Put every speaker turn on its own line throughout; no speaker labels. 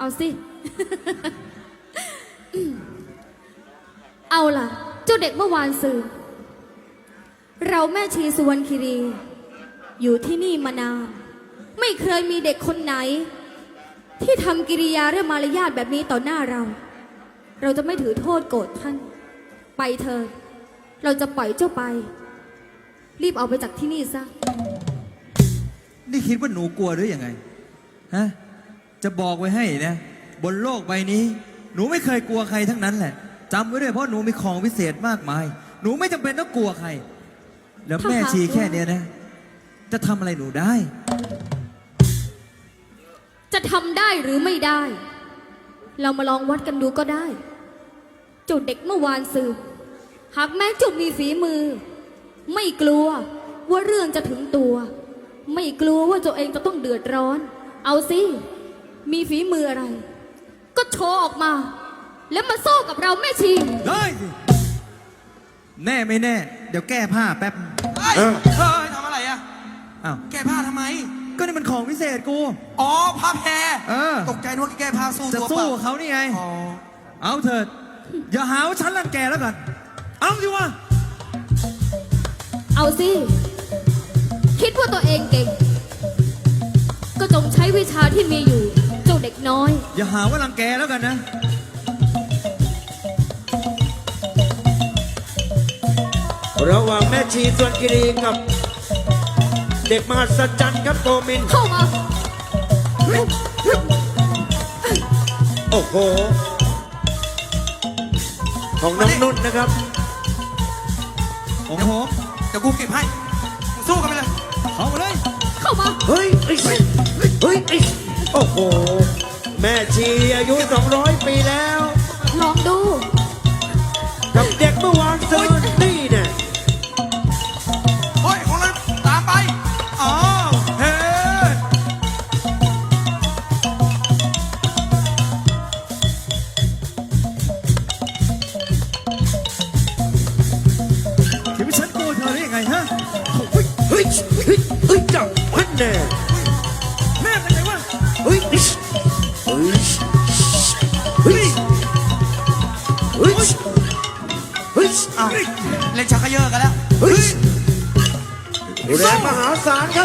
เอาสิ เอาล่ะเจ้าเด็กเมื่อวานสื่อเราแม่ชีสุวรรณคีรีอยู่ที่นี่มานานไม่เคยมีเด็กคนไหนที่ทำกิริยาและมารยาทแบบนี้ต่อหน้าเราจะไม่ถือโทษโกรธท่านไปเถอะเราจะปล่อยเจ้าไปรีบเอาไปจากที่นี่ซะ
นี่คิดว่าหนูกลัวหรือยังไงฮะจะบอกไว้ให้นะบนโลกใบนี้หนูไม่เคยกลัวใครทั้งนั้นแหละจำไว้ด้วยเพราะหนูมีของวิเศษมากมายหนูไม่จำเป็นต้องกลัวใครแล้วแม่ชีแค่เนี้ยนะจะทำอะไรหนูได้
จะทำได้หรือไม่ได้เรามาลองวัดกันดูก็ได้จุดเด็กเมื่อวานสืบหากแม้จุดมีฝีมือไม่กลัวว่าเรื่องจะถึงตัวไม่กลัวว่าตัวเองจะต้องเดือดร้อนเอาสิมีฝีมืออะไรก็โชว์ออกมาแล้วมาสู้กับเราแม่ชี
ได้สิแน่ไม่แน่เดี๋ยวแก้ผ้าแป๊บ
เฮ้ยทำอะไรอ่ะ
อ้าว
แก้ผ้าทำไม
ก็นี่มันของวิเศษกู
อ๋อผ้าแพรตกใจนึกว่าแก้ผ้าสู้
จะสู้เขานี่ไงเอาเถิดอย่าหาว่าฉันรังแกแล้วกันเอาสิวะ
เอาสิคิดว่าตัวเองเก่งก็จงใช้วิชาที่มีอยู่เจ้าเด็กน้อย
อย่าหาว่ารังแกแล้วกันนะ
ระหว่างแม่ชีส่วนกิรีกับเด็กมหัศจรรย์ครับโกมิน
เข้ามา
โอ้โหของน้องนุ่นนะครับ
โอ้โห
เดี๋ยวกูเก็บให้สู้กันไปเลย
เข้ามาเลย
เข้ามา
เฮ้ยโอ้โหแม่ชีอายุ200 ปีแล้ว
ลองดู
กับเด็กเมื่อวานซืนนี่เนี่ย
เฮ้ยของนั้นตามไปอ๋อเฮ้
คิดว่าฉันกลัวเธอได้ยังไงฮะ
เฮ้ยจับพันแน่
แม่เป็นไงวะ
เฮ้ย
อ้าวเล่นชักกระเยอะกันแล้ว
แรงมหาศาลครับ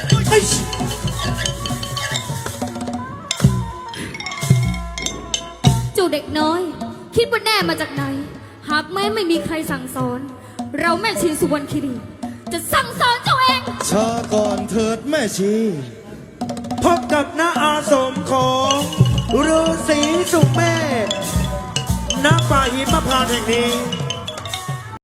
เจ้าเด็กน้อยคิดว่าแน่มาจากไหนหากแม้ไม่มีใครสั่งสอนเราแม่ชีสุวรรณคีรีจะสั่งสอนเจ้าเอง
ชาก่อนเถิดแม่ชี
พบกับณอาสมของฤาษีสุเมธณป่าหิมพานต์แห่งนี้